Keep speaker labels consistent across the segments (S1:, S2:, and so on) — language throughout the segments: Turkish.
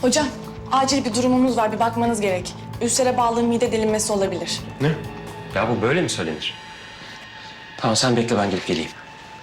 S1: Hocam, acil bir durumumuz var. Bir bakmanız gerek. Ülsere bağlı mide delinmesi olabilir.
S2: Ne? Ya bu böyle mi söylenir? Tamam sen bekle ben gelip geleyim.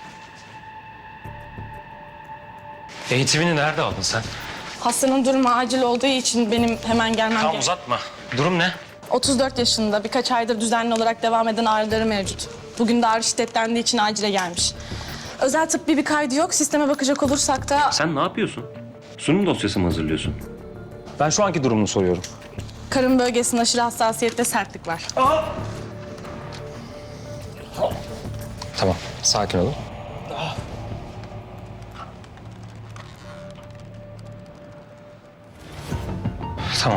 S2: Eğitimini nerede aldın sen?
S1: Hastanın durumu acil olduğu için benim hemen gelmem
S2: Tamam
S1: gerek.
S2: uzatma. Durum ne?
S1: 34 yaşında, birkaç aydır düzenli olarak devam eden ağrıları mevcut. Bugün de ağrı şiddetlendiği için acile gelmiş. Özel tıbbi bir kaydı yok. Sisteme bakacak olursak da
S2: Sen ne yapıyorsun? Sunum dosyası mı hazırlıyorsun? Ben şu anki durumunu soruyorum.
S1: karın bölgesinde aşırı hassasiyette sertlik var.
S2: Tamam sakin olun. Tamam.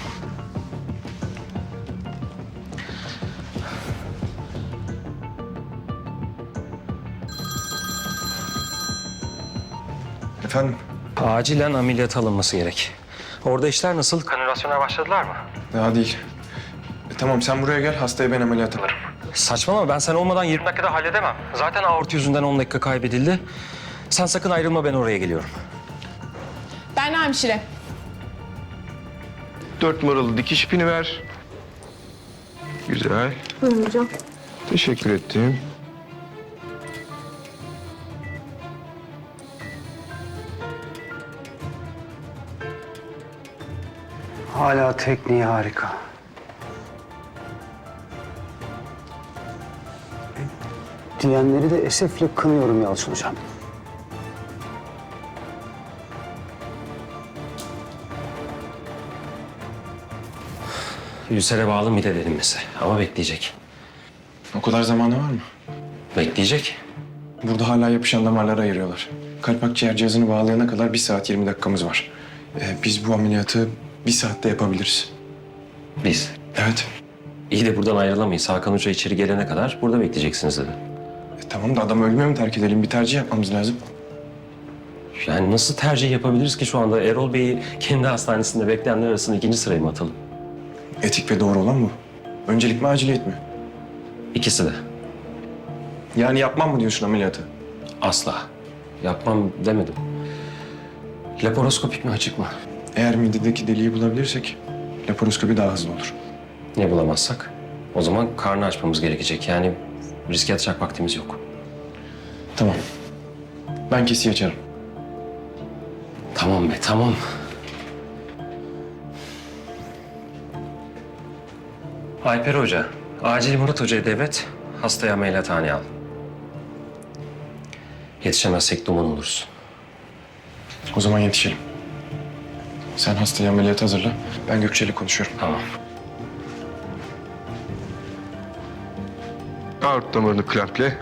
S3: Efendim?
S2: Acilen ameliyata alınması gerek. Orada işler nasıl? Kanülasyona başladılar mı?
S3: Daha değil. Tamam sen buraya gel, hastaya ben ameliyat alırım.
S2: Saçmalama ben sen olmadan 20 dakikada halledemem. Zaten aorti yüzünden 10 dakika kaybedildi. Sen sakın ayrılma ben oraya geliyorum.
S1: Ben hemşire.
S3: 4 numaralı dikiş ipini ver. Güzel.
S1: Buyurun hocam.
S3: Teşekkür ettim.
S4: Hala tekniği harika. Diyenleri de esefle kınıyorum Yalçın Hocam.
S2: Ülsere bağlı mide delinmesi ama bekleyecek.
S3: O kadar zamanı var mı?
S2: Bekleyecek.
S3: Burada hala yapışan damarları ayırıyorlar. Kalp akciğer cihazını bağlayana kadar 1 saat 20 dakikamız var. Biz bu ameliyatı 1 saatte yapabiliriz.
S2: Biz.
S3: Evet.
S2: İyi de buradan ayrılamayız. Hakan Hoca içeri gelene kadar burada bekleyeceksiniz dedi.
S3: Tamam da adam ölmüyor mu terk edelim? Bir tercih yapmamız lazım.
S2: Yani nasıl tercih yapabiliriz ki şu anda? Erol Bey'i kendi hastanesinde bekleyenler arasında 2. sıraya mı atalım?
S3: Etik ve doğru olan bu. Öncelik mi aciliyet mi?
S2: İkisi de.
S3: Yani yapmam mı diyorsun ameliyatı?
S2: Asla. Yapmam demedim. Laparoskopik mi açık mı?
S3: Eğer midedeki deliği bulabilirsek laparoskopi daha hızlı olur.
S2: Ne bulamazsak? O zaman karnı açmamız gerekecek. Yani riske atacak vaktimiz yok.
S3: Tamam. Ben kesiyi açarım.
S2: Tamam be tamam. Alper Hoca, acil Murat Hoca'ya devret, hastayı ameliyathaneye al. Yetişemezsek duman oluruz.
S3: O zaman yetişelim. Sen hastayı ameliyata hazırla. Ben Gökçe'yle konuşuyorum.
S2: Tamam.
S3: Aort damarını klemple.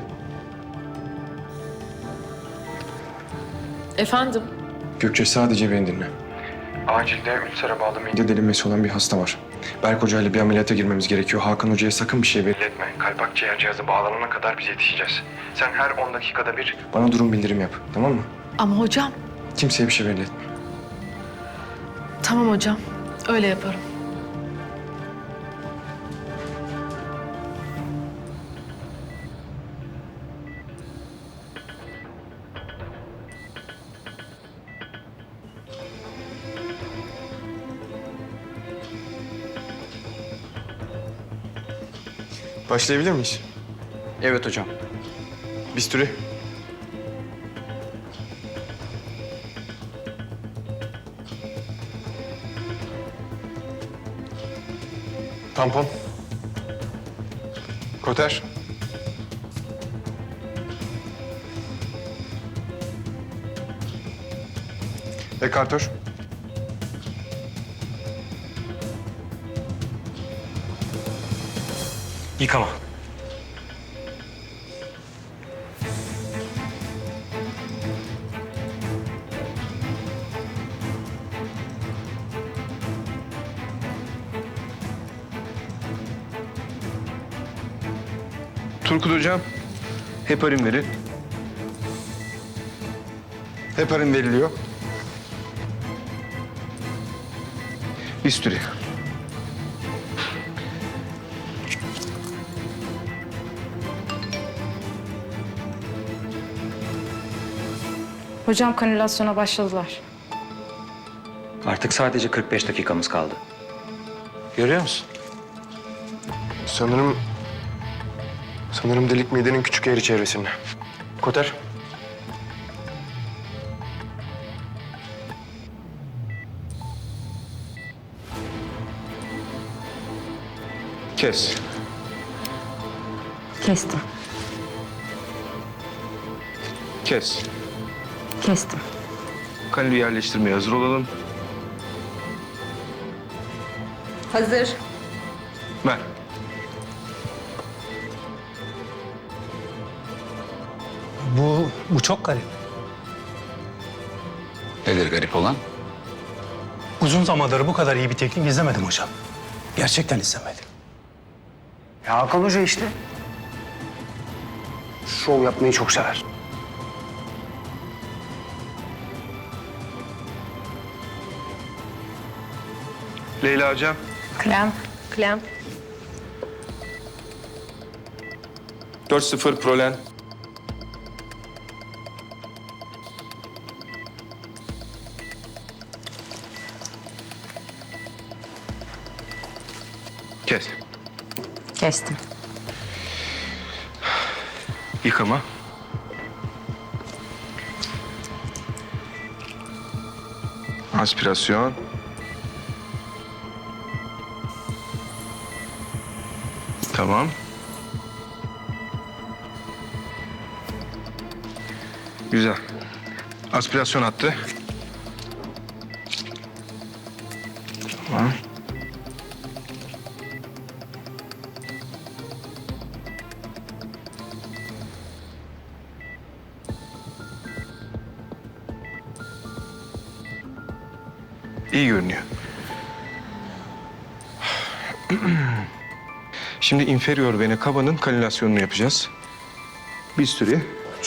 S5: Efendim?
S3: Gökçe sadece beni dinle. Acilde ülsere bağlı mide delinmesi olan bir hasta var. Berk Hoca ile bir ameliyata girmemiz gerekiyor. Hakan Hoca'ya sakın bir şey belli etme. Kalp akciğer cihazı bağlanana kadar biz yetişeceğiz. Sen her 10 dakikada bir bana durum bildirim yap. Tamam mı?
S5: Ama hocam.
S3: Kimseye bir şey belli etme.
S5: Tamam hocam. Öyle yaparım.
S3: Başlayabilir miyiz?
S4: Evet hocam.
S3: Bisturi. Tampon. Koter. Ekartör.
S2: Yıkama.
S6: Turkut Hocam, heparin verin.
S3: Heparin veriliyor.
S6: Bisturi.
S1: Hocam kanülasyona başladılar.
S2: Artık sadece 45 dakikamız kaldı. Görüyor musun?
S3: Sanırım delik midenin küçük yeri çevresinde. Koter.
S6: Kes.
S7: Kestim.
S6: Kes.
S7: Kestim.
S6: Kalbi yerleştirmeye hazır olalım.
S7: Hazır.
S6: Ver.
S8: Bu çok garip.
S9: Nedir garip olan?
S8: Uzun zamandır bu kadar iyi bir teknik izlemedim hocam. Gerçekten izlemedim.
S4: Ya Hakan Hoca işte. Şov yapmayı çok sever.
S6: Leyla hocam.
S7: Krem. Krem.
S6: 4-0 Prolen. Kes.
S7: Kestim.
S6: Yıkama. Aspirasyon. Tamam. Güzel. Aspirasyon attı. Tamam. İyi görünüyor. Şimdi inferior vena cava'nın kanülasyonunu yapacağız. Bir süre.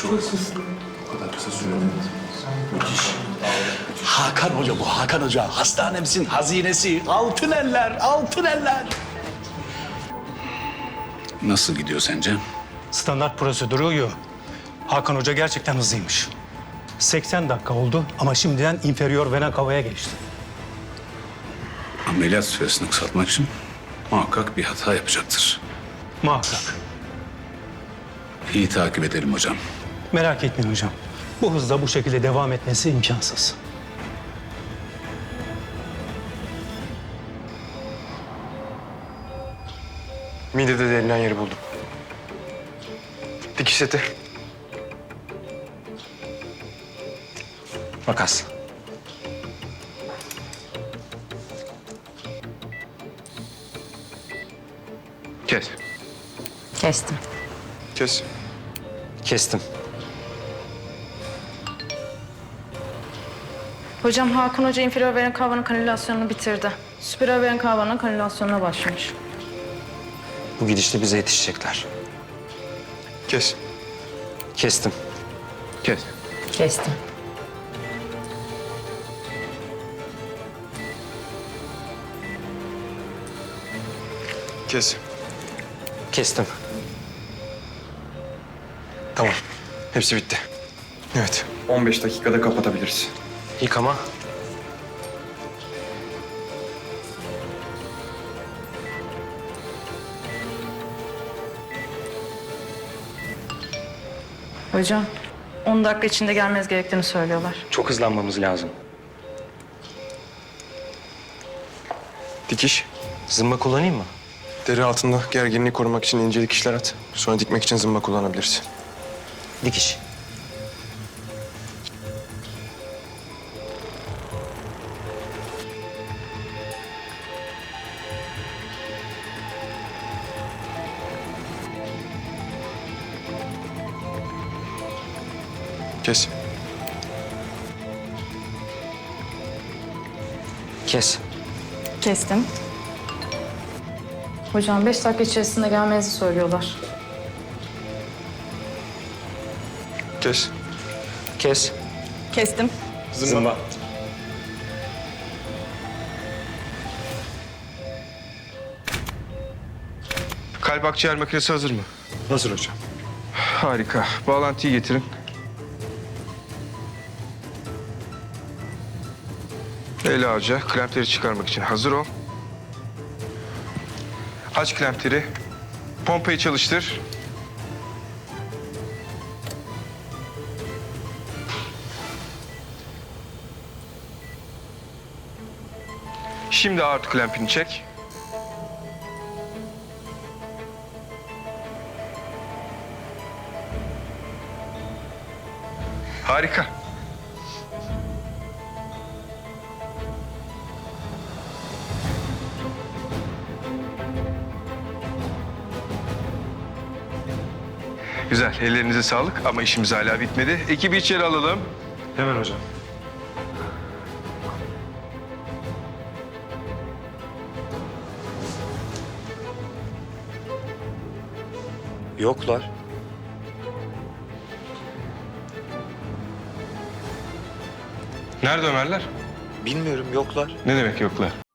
S10: Hakan Hoca bu, Hakan Hoca. Hastanemizin hazinesi. Altın eller, altın eller.
S9: Nasıl gidiyor sence?
S8: Standart prosedürü uyuyor. Hakan Hoca gerçekten hızlıymış. 80 dakika oldu ama şimdiden inferior vena cava'ya geçti.
S9: Ameliyat süresini kısaltmak için muhakkak bir hata yapacaktır.
S8: Muhakkak.
S9: İyi takip edelim hocam.
S8: Merak etmeyin hocam. Bu hızla bu şekilde devam etmesi imkansız.
S3: Midede delinen yeri buldum. Dikiş seti.
S2: Makas.
S6: Kes.
S7: Kestim.
S3: Kes.
S2: Kestim.
S1: Hocam Hakan Hoca inferior vena cava'nın kanülasyonunu bitirdi. Superior vena cava'nın kanülasyonuna başlamış.
S2: Bu gidişle bize yetişecekler.
S3: Kes.
S2: Kestim.
S6: Kes.
S7: Kestim.
S3: Kes.
S2: Kestim.
S3: Tamam. Hepsi bitti. Evet. 15 dakikada kapatabiliriz.
S2: Yıkama.
S1: Hocam 10 dakika içinde gelmeniz gerektiğini söylüyorlar.
S2: Çok hızlanmamız lazım.
S3: Dikiş.
S2: Zımba kullanayım mı?
S3: Deri altında gerginliği korumak için ince dikişler at. Sonra dikmek için zımba kullanabiliriz.
S2: Dikiş.
S3: Kes.
S2: Kes.
S1: Kestim. Hocam 5 dakika içerisinde gelmenizi söylüyorlar.
S3: Kes.
S2: Kes.
S1: Kestim.
S2: Zımba.
S6: Kalp akciğer makinesi hazır mı?
S3: Hazır hocam.
S6: Harika. Bağlantıyı getirin. El ağaca klempleri çıkarmak için hazır ol. Aç klempleri. Pompayı çalıştır. Şimdi aort klempini çek. Harika. Güzel. Ellerinize sağlık ama işimiz hala bitmedi. Ekibi içeri alalım.
S3: Hemen hocam.
S6: Yoklar. Nerede Ömerler?
S3: Bilmiyorum, yoklar.
S6: Ne demek yoklar?